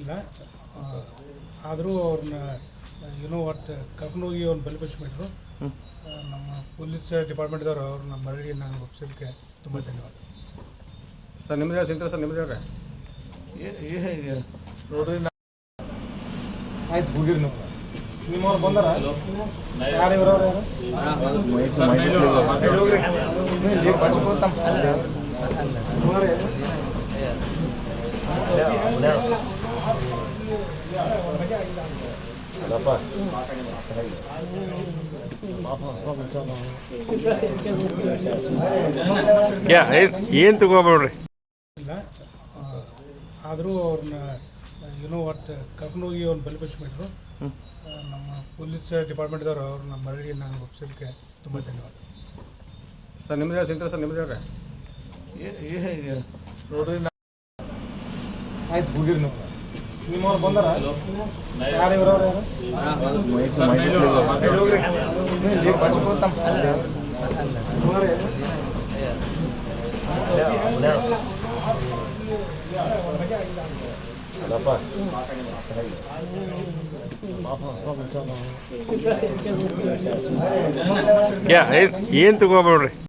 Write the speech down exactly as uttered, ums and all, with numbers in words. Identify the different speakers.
Speaker 1: ಇಲ್ಲ. ಆದರೂ ಅವ್ರನ್ನ ಏನೋ ಒಟ್ಟು ಕರ್ಕೊಂಡೋಗಿ ಅವ್ರನ್ನ ಬಲಿಪಡಿಸ್ಬಿಟ್ರು. ನಮ್ಮ ಪೊಲೀಸ್ ಡಿಪಾರ್ಟ್ಮೆಂಟ್ದವರು ಅವ್ರನ್ನ ಮರಳಿ ನಾನು ಒಪ್ಪಿಸೋದಕ್ಕೆ ತುಂಬ ಧನ್ಯವಾದ.
Speaker 2: ಸರ್ ನಿಮ್ಮದೇ ಸಿಗ್ತಾರೆ ಸರ್ ನಿಮ್ಮದೇ ಅವ್ರೆ
Speaker 1: ನೋಡ್ರಿ ಆಯ್ತು ಹೋಗಿರಿ ನೀವು ನಿಮ್ಮವ್ರು ಬಂದಾರ ಯಾರು ಇವ್ರವ್ರು
Speaker 2: ಏನು ತಗೋಬೇಡ್ರಿ.
Speaker 1: ಇಲ್ಲ. ಆದರೂ ಅವ್ರನ್ನ ಏನೋ ಒಟ್ಟು ಕರ್ಕೊಂಡೋಗಿ ಅವ್ರನ್ನ ಬಲಿಪಡಿಸ್ಬಿಟ್ರು. ನಮ್ಮ ಪೊಲೀಸ್ ಡಿಪಾರ್ಟ್ಮೆಂಟ್ದವರು ಅವ್ರನ್ನ ಮರಳಿ ನಾನು ಒಪ್ಪಿಸೋದಕ್ಕೆ ತುಂಬ ಧನ್ಯವಾದ.
Speaker 2: ಸರ್ ನಿಮ್ಮದೇ ಸಿಗ್ತಾರೆ ಸರ್ ನಿಮ್ಮದೇ ಅವ್ರೆ
Speaker 1: ನೋಡ್ರಿ ಆಯ್ತು ಹೋಗಿರಿ ನೀವು ನಿಮ್ಮವ್ರು ಬಂದಾರ ಯಾರು ಇವ್ರವ್ರು
Speaker 2: ಏನು ತಗೋಬೇಡ್ರಿ.